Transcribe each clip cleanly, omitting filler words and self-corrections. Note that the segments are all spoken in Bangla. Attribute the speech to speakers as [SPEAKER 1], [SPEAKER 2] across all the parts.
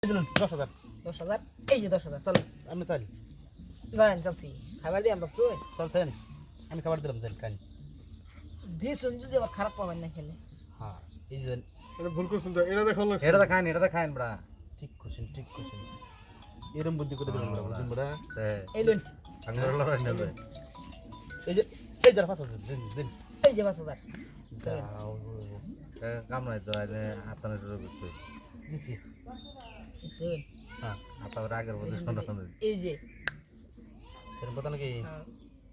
[SPEAKER 1] 10,000
[SPEAKER 2] 10,000 এই যে 10,000 চলো
[SPEAKER 1] আমি চাই
[SPEAKER 2] যান চলছি খাবার দিয়ে আমরা চল
[SPEAKER 1] চলছেন আমি খাবার দিলাম দেন খান
[SPEAKER 2] দিয়ে শুন যদি আবার খারাপ পাবেন না খেলে
[SPEAKER 1] হ্যাঁ এই যে
[SPEAKER 3] এটা ভুল করছেন তো এটা দেখান লাগছে
[SPEAKER 4] এটা তো খাইন বড়া
[SPEAKER 1] ঠিক করছেন এরম বুদ্ধি করে দেবেন বড় বুঝুন বড়
[SPEAKER 2] এই লুন
[SPEAKER 4] আঙ্গুর লড়াই না যায়
[SPEAKER 1] এই যার 5,000 দিন
[SPEAKER 2] এই যে 5,000
[SPEAKER 1] যাও
[SPEAKER 4] কাম নাই তো আইনে আতানে শুরু করছে
[SPEAKER 1] দিছি
[SPEAKER 2] শুন
[SPEAKER 1] হ্যাঁ
[SPEAKER 4] আতার আগের বছর সন্ধ্যা সন্ধ্যা
[SPEAKER 2] এই যে
[SPEAKER 1] সেরকম কথা নাকি
[SPEAKER 2] হ্যাঁ,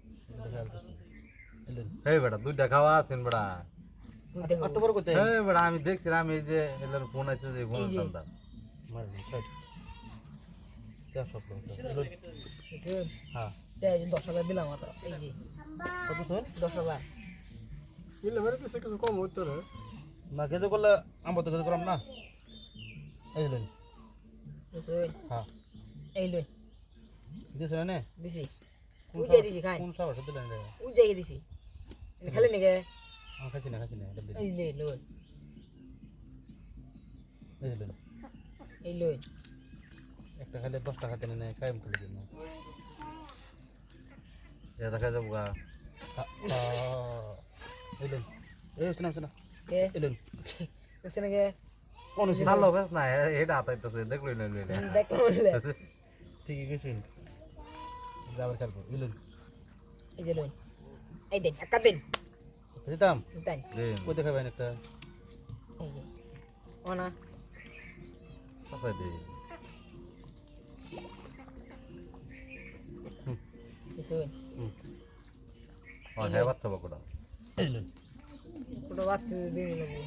[SPEAKER 4] এই বেটা দুইটা খাওয়া আছেন বেটা
[SPEAKER 2] তুই দেখো
[SPEAKER 1] অক্টোবর কত
[SPEAKER 4] এই বেটা আমি দেখছিলাম এই যে এলার ফোন আছে যে ফোন
[SPEAKER 2] এই যে।
[SPEAKER 4] সন্ধ্যা
[SPEAKER 1] মার খাই যা সব
[SPEAKER 2] শুন
[SPEAKER 1] হ্যাঁ
[SPEAKER 2] এই যে 10,000 দিলাম আর এই যে
[SPEAKER 1] কত শুন
[SPEAKER 2] 10,000
[SPEAKER 3] মিলে মেরে দিছে কিছু কম হইতো রে
[SPEAKER 1] না গেজে করলে আমরা তো গেজে করলাম না এই লুন
[SPEAKER 2] শুন
[SPEAKER 1] হ্যাঁ
[SPEAKER 2] এই লুন
[SPEAKER 1] দিছ না
[SPEAKER 2] দিছি উজাই দিছি খাই
[SPEAKER 1] কোন সাহস দিলেন রে
[SPEAKER 2] উজাই দিছি খালি নাকি
[SPEAKER 1] আমি খাচ্ছি না এটা দিন
[SPEAKER 2] এই লে লুন
[SPEAKER 1] এই লুন
[SPEAKER 2] এই লুন
[SPEAKER 1] একটা খাইলে 10 টাকা দেন না কায়েম করে দিন
[SPEAKER 4] এটা দেখা যাবো গা
[SPEAKER 1] এই লুন এই শোনা
[SPEAKER 2] কে
[SPEAKER 1] এই লুন
[SPEAKER 2] বুঝছ নাকি
[SPEAKER 1] কোন
[SPEAKER 4] সালো বেশ না এটা আতাইতেছে দেখলই না লইলে
[SPEAKER 2] দেখ বললে
[SPEAKER 1] ঠিকই গেছেন যাবার খেলবো এই লুন
[SPEAKER 2] এই যে লুন এই দেন একা দেন
[SPEAKER 1] দিতাম
[SPEAKER 2] দেন
[SPEAKER 1] কই দেখাবেন একটা
[SPEAKER 2] এই যে ওনা
[SPEAKER 4] কথা দে
[SPEAKER 2] শুন
[SPEAKER 4] ও হ্যাঁ বাচ্চা বকড়া
[SPEAKER 1] এই লুন
[SPEAKER 2] ছোট বাচ্চা দিন লাগবে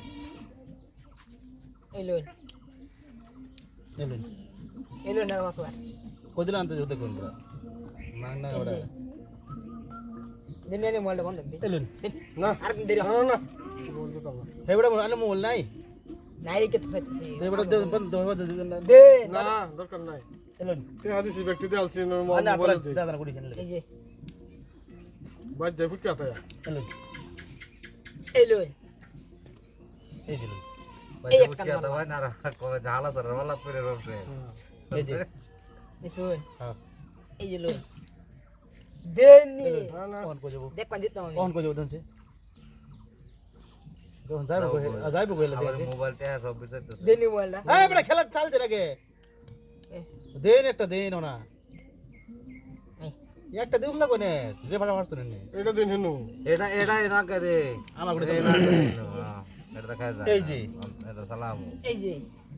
[SPEAKER 2] এই লুন
[SPEAKER 1] এই লুন
[SPEAKER 2] এই লুন না মাসলা
[SPEAKER 1] কই দিলাম আনতে দেখুন বড় না
[SPEAKER 2] এই
[SPEAKER 1] ওরা
[SPEAKER 2] যে দিন নে মোবাইলটা বন্ধ দি
[SPEAKER 1] এই লুন
[SPEAKER 3] না
[SPEAKER 2] আর দিন দেরি
[SPEAKER 3] না না বলতে তো না
[SPEAKER 1] হে বড় আনে মোল নাই
[SPEAKER 2] নাই রে কত সাইতেছি
[SPEAKER 1] এই বড় বন্ধ
[SPEAKER 2] দে
[SPEAKER 3] না দরকার নাই
[SPEAKER 1] এই লুন
[SPEAKER 3] তে হাদিসি ব্যক্তি দে আলছি না
[SPEAKER 1] আনে
[SPEAKER 3] মোবাইল
[SPEAKER 1] আপনারা
[SPEAKER 3] দে
[SPEAKER 1] দাদা কুড়ি খেলে
[SPEAKER 2] এই যে
[SPEAKER 3] বাজ যাই ফুটকে আতা
[SPEAKER 1] এই লুন
[SPEAKER 2] এই লুন
[SPEAKER 1] এই যে লুন
[SPEAKER 2] এই
[SPEAKER 4] এই
[SPEAKER 2] একটা
[SPEAKER 4] একটা দাওয়াই না কবে ঝালা সর वाला করে রবে
[SPEAKER 1] এই যে
[SPEAKER 2] এই শুন
[SPEAKER 1] হ্যাঁ
[SPEAKER 2] এই যে লুন দেন নি
[SPEAKER 3] না না
[SPEAKER 1] কোন কই যাব
[SPEAKER 2] দেখ কোন জিততাম আমি
[SPEAKER 1] কোন কই যাব দনছে যখন যাইবো কইলে
[SPEAKER 4] আবার
[SPEAKER 1] দেখে
[SPEAKER 4] মোবাইলটা সব বিষয়তেছে
[SPEAKER 2] দেন নি মোবাইলটা
[SPEAKER 1] এই বড় খেলা চলছে নাকি দেন একটা দেন না একটা দিউম না কোনে যে ভাড়া মারছ নে
[SPEAKER 3] এটা দিন হিনু
[SPEAKER 4] এটা না করে
[SPEAKER 1] আমার করে
[SPEAKER 4] এটা দেখা যায়
[SPEAKER 1] এই যে।
[SPEAKER 4] এটা সালাম
[SPEAKER 2] এই যে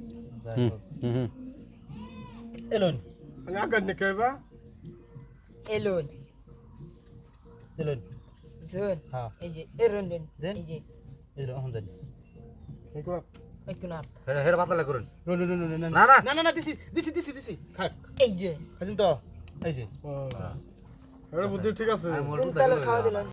[SPEAKER 1] এলুন
[SPEAKER 3] আমি আগার নে কইবা
[SPEAKER 2] এই লুন
[SPEAKER 1] এলুন
[SPEAKER 2] শুন
[SPEAKER 1] হ্যাঁ
[SPEAKER 2] এই যে এই রন দেন
[SPEAKER 1] দেন।
[SPEAKER 2] এই যে
[SPEAKER 1] এলুন এখন যাই
[SPEAKER 3] দেখো
[SPEAKER 2] একটু না
[SPEAKER 4] হেড পাতলা করুন
[SPEAKER 1] রুন
[SPEAKER 4] না না
[SPEAKER 1] না না না দিছি খাক
[SPEAKER 2] এই যে
[SPEAKER 1] খাইছেন তো এই যে
[SPEAKER 3] এটা বুদ্ধি ঠিক আছে
[SPEAKER 4] আমি মোর
[SPEAKER 2] কোন তালের খাওয়া দিলাম